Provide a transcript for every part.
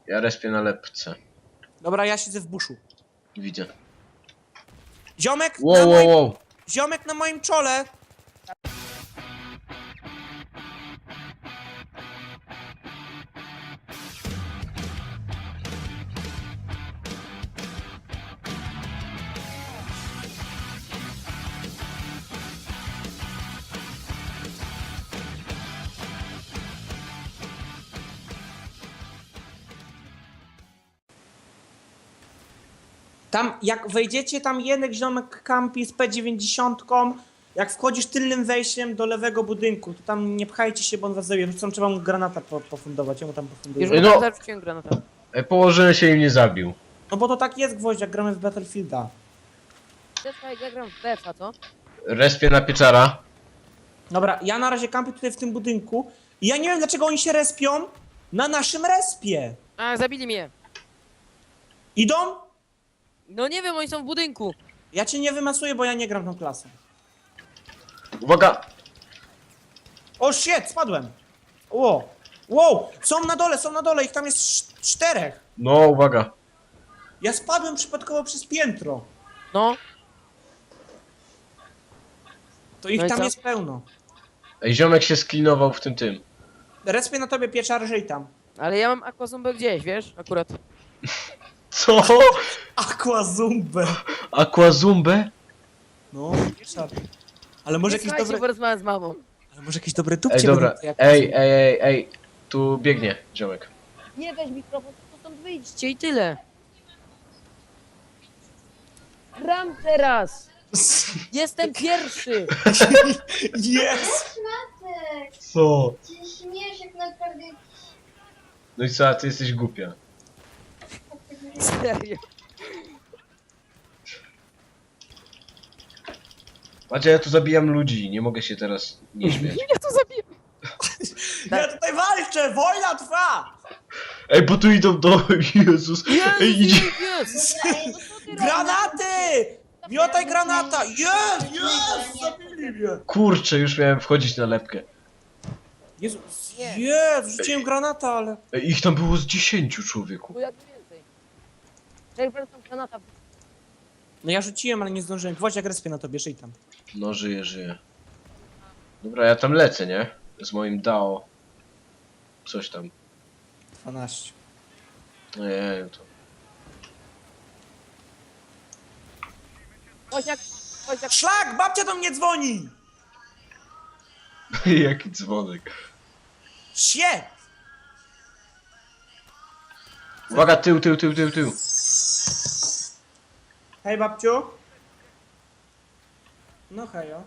Ja respię na lepce. Dobra, ja siedzę w buszu. Widzę. Ziomek na Wow, moim... wow, wow. Ziomek na moim czole! Tam, jak wejdziecie, tam jeden ziomek kampi z P90. Jak wchodzisz tylnym wejściem do lewego budynku, to tam nie pchajcie się, bo on was zabije. Tam trzeba mu granata pofundować, ja mu tam pofunduję. Już No. mu tam zarzuciłem granata. Położyłem się i mnie zabił. No bo to tak jest, Gwoźdź, jak gramy w Battlefielda. Ja gram w BF-a, co? Respię na pieczara. Dobra, ja na razie kampię tutaj w tym budynku i ja nie wiem, dlaczego oni się respią na naszym respie. A, zabili mnie. Idą? No nie wiem, oni są w budynku. Ja cię nie wymasuję, bo ja nie gram tą klasą. Uwaga! O shit, spadłem. Wow, wow, są na dole, ich tam jest 4. No, uwaga. Ja spadłem przypadkowo przez piętro. No. To ich No i tam co? jest pełno. Ej, ziomek się sklinował w tym. Respię na tobie, pieczar, żyj tam. Ale ja mam aquazumbę gdzieś, wiesz? Akurat. Co? Aquazumbę. Aquazumbę? No, pieczar. Ale może jakieś Słuchajcie, dobre... porozmawiam z mamą. Ale może jakieś dobre Ej, tupcie dobra. będą, jak Ej. Tu biegnie ziomek. Nie weź mikrofon, to stąd wyjdźcie i tyle. Gram teraz! Jestem pierwszy! Jest! Matek, Co? ty śmiesz jak naprawdę... No i co, a ty jesteś głupia. Serio. Macie, ja tu zabijam ludzi, nie mogę się teraz nie śmiać. Ja to zabiję. Ja tutaj walczę! Wojna trwa! Ej, bo tu idą do... Jezus. Ej, idzie. Jest! Ej, no co ty Granaty! Miotaj granata! Jest! Jest! Zabili mnie! Kurczę, już miałem wchodzić na lepkę. Jezu, Nie. jest! Rzuciłem granata, ale... Ej, ich tam było z 10, człowieku. Bo jak więcej. Czekaj, będę tam granata. No ja rzuciłem, ale nie zdążyłem. Gwoźdź, jak respię na tobie, żyj tam. No, żyję. Dobra, ja tam lecę, nie? Z moim DAO. Coś tam. 12. No nie, to... Koziak, koziak. Szlak! Babcia do mnie dzwoni! Jaki dzwonek. Shit! Uwaga, tył. Hej, babciu. No hejo.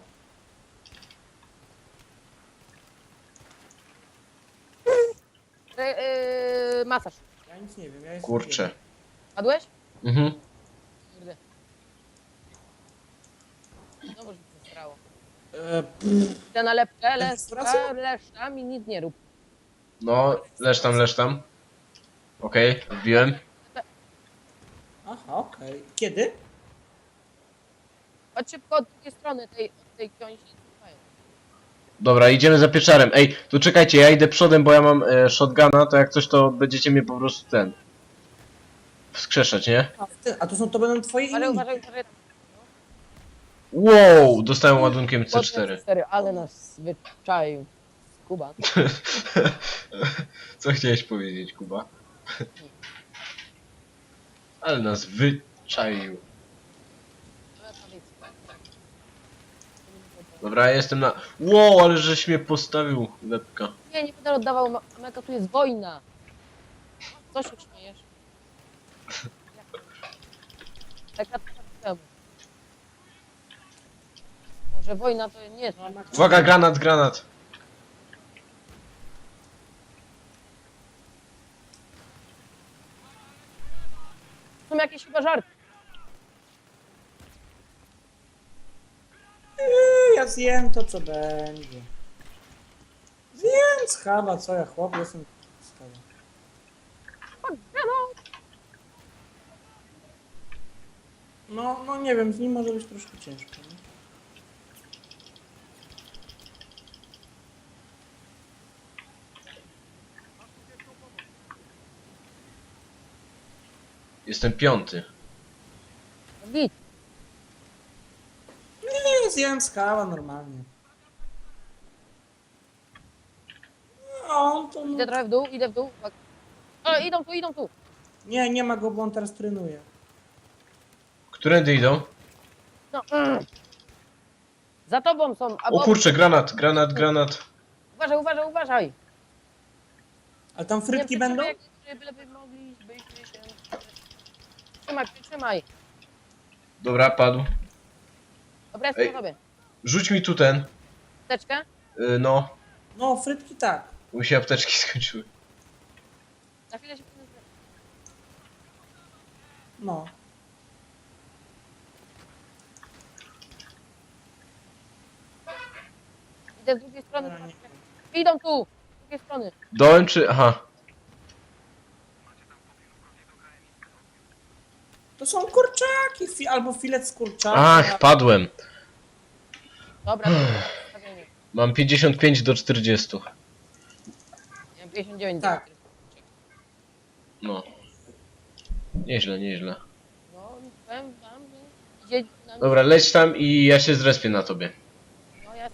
Masaż. Ja nic nie wiem, ja jestem... Kurczę. Padłeś? Mhm. Kurde. Znowu się zesrało. Idę na lepkę, Restauracja? leszcza mi nic nie rób. No, leż tam. Okej, wbiłem. Aha, okej. Kiedy? Chodź szybko od drugiej strony tej książki. Dobra, idziemy za pieczarem. Ej, tu czekajcie, ja idę przodem, bo ja mam shotguna, to jak coś, to będziecie mnie po prostu wskrzeszać, nie? A to będą twoje Ale imieniny. uważaj. Wow, dostałem ładunkiem C4. C4, ale nas wyczaił. Kuba. Co chciałeś powiedzieć, Kuba? Ale nas wyczaił. Dobra, ja jestem na... Wow, ale żeś mnie postawił, lepka. Nie będę oddawał Meka, tu jest wojna. Co się śmiejesz? Taka temu. Może wojna to nie jest. Uwaga, granat. Są jakieś chyba żarty. Ja zjem to, co będzie. Zjem schaba, co ja chłop jestem schaba. No nie wiem, z nim może być troszkę ciężko. Nie? Jestem 5. No git. Nie, zjem skała normalnie. No, to no. Idę trochę w dół, idę w dół. Uwaga. O, idą tu, idą tu. Nie ma go, bo on teraz trenuje. Którędy idą? No. Za tobą są. O Albo... kurczę, granat, granat, granat. Uważaj, uważaj, uważaj. Ale tam frytki Nie, będą? jak byleby mogli, byśmy się... Trzymaj, przytrzymaj. Dobra, padł. Dobra, jestem Ej. na tobie. Rzuć mi tu ten. Teczkę? No, No, frytki tak. mi się apteczki skończyły. Na chwilę się... No. Idę z drugiej strony. Dobra, nie. Idą tu. Z drugiej strony. Dołem czy... Aha. To są kurczaki, albo filet z kurczaka. Ach, padłem. Dobra, ustawienie. Mam 55 do 40. Ja mam 59. Tak. No. Nieźle, nieźle. No, powiem wam, że idzie na mnie. Dobra, leć tam i ja się zrespię na tobie. No, ja...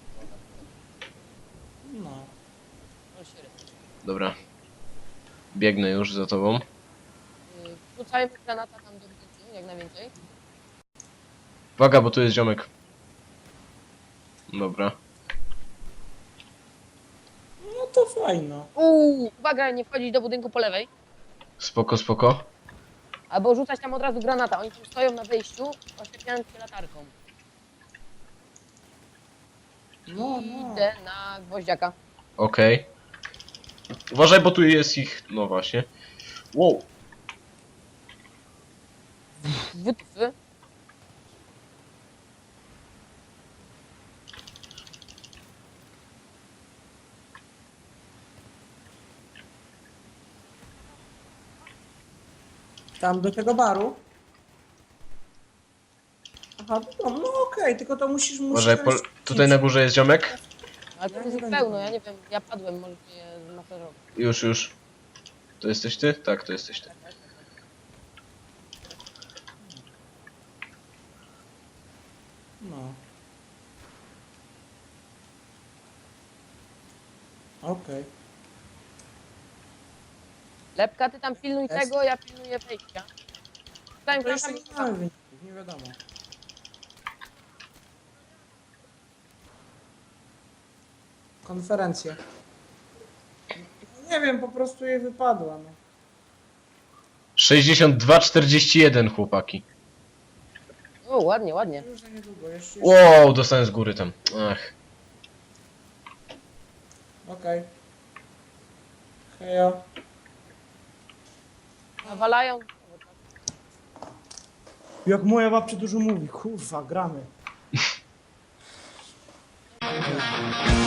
No. No, siry. Dobra. Biegnę już za tobą. Wrzucajmy granata tam do budynku, jak najwięcej. Uwaga, bo tu jest ziomek. Dobra. No to fajno. Uwaga, nie wchodzić do budynku po lewej. Spoko, spoko. Albo rzucać tam od razu granata. Oni tam stoją na wyjściu, oświetlając się latarką. No, no. Idę na gwoździaka. Okej. Uważaj, bo tu jest ich... No właśnie. Wow. Wytwy. Tam do tego baru. Aha, no okej, tylko to musisz... Uważaj, tutaj na górze jest ziomek. Ale to jest ich pełno, ja nie wiem. Ja padłem, może mnie zmasażować. Już, już. To jesteś ty? Tak, to jesteś ty. No. Okej. Lepka, ty tam pilnuj Jest. tego, ja pilnuję wejścia. Stań To jeszcze granatami. nie mamy wyników, nie wiadomo. Konferencja. Nie wiem, po prostu jej wypadła, no. 62-41, chłopaki. O, ładnie, ładnie. Już za niedługo, jeszcze... Wow, dostałem z góry tam. Ach. Okej. Hejo. Nawalają. Jak moja babcia dużo mówi, kurwa, gramy.